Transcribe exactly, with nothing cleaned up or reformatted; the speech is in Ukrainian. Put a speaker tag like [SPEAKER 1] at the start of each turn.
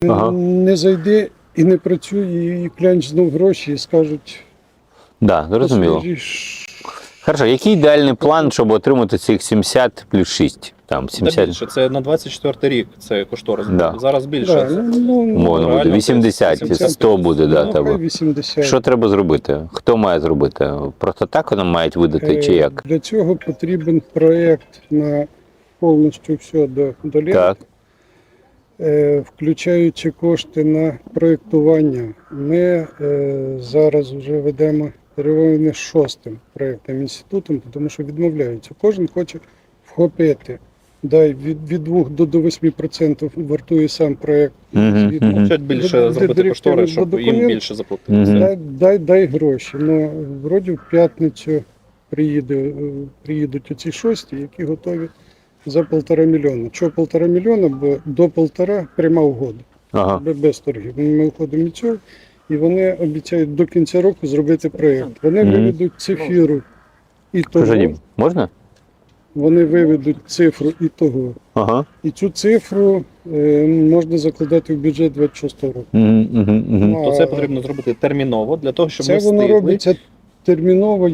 [SPEAKER 1] Ага.
[SPEAKER 2] Не зайде і не працює, і клянч знов гроші, і скажуть,
[SPEAKER 1] Да, зрозуміло.
[SPEAKER 2] «Послужиш».
[SPEAKER 1] Хорошо, який ідеальний план, щоб отримати цих сімдесят плюс шість? Там,
[SPEAKER 3] Та
[SPEAKER 1] сімдесят,
[SPEAKER 3] більше, це на двадцять четвертий рік, це кошторис.
[SPEAKER 1] Да.
[SPEAKER 3] Зараз більше.
[SPEAKER 2] Да, ну, ну,
[SPEAKER 1] Можна буде,
[SPEAKER 3] реально,
[SPEAKER 1] вісімдесят,
[SPEAKER 3] вісімдесят,
[SPEAKER 1] сто буде, да,
[SPEAKER 2] ну,
[SPEAKER 1] тебе.
[SPEAKER 2] хай вісімдесят.
[SPEAKER 1] Що треба зробити? Хто має зробити? Просто так воно мають видати, чи
[SPEAKER 2] Е,
[SPEAKER 1] як?
[SPEAKER 2] Для цього потрібен проєкт на повністю все до, до літа.
[SPEAKER 1] Так.
[SPEAKER 2] Е, включаючи кошти на проєктування. Ми е, зараз вже ведемо перемовини з шостим проєктним інститутом, тому що відмовляються. Кожен хоче вхопити. Дай від, від двох до восьми відсотків вартує сам проєкт.
[SPEAKER 1] Мгм,
[SPEAKER 2] Згідно.
[SPEAKER 1] мгм.
[SPEAKER 3] Хочуть більше
[SPEAKER 2] Д- д-
[SPEAKER 3] зробити
[SPEAKER 2] директивний
[SPEAKER 3] кошторис, щоб
[SPEAKER 2] документ.
[SPEAKER 3] їм більше заплатити.
[SPEAKER 1] Мгм.
[SPEAKER 2] Дай, дай, дай гроші. Ну, вроді в п'ятницю приїде, е, приїдуть оці шості, які готові за полтора мільйона. Чого полтора мільйона? Бо до полтора пряма угода.
[SPEAKER 1] Ага.
[SPEAKER 2] Бе- Без торгів. Ми виходимо від цього, і вони обіцяють до кінця року зробити проєкт. Вони
[SPEAKER 1] Мгм.
[SPEAKER 2] виведуть цифру і того.
[SPEAKER 1] Слушай, Дім, можна?
[SPEAKER 2] Вони виведуть цифру і того.
[SPEAKER 1] Ага.
[SPEAKER 2] І цю цифру е, можна закладати в бюджет двадцять шостого року.
[SPEAKER 1] Мгм, мгм, мгм.
[SPEAKER 2] Ну,
[SPEAKER 3] То це
[SPEAKER 2] а
[SPEAKER 3] потрібно зробити терміново, для того, щоб
[SPEAKER 2] Це
[SPEAKER 3] ми
[SPEAKER 2] воно
[SPEAKER 3] встигли.
[SPEAKER 2] робиться терміново.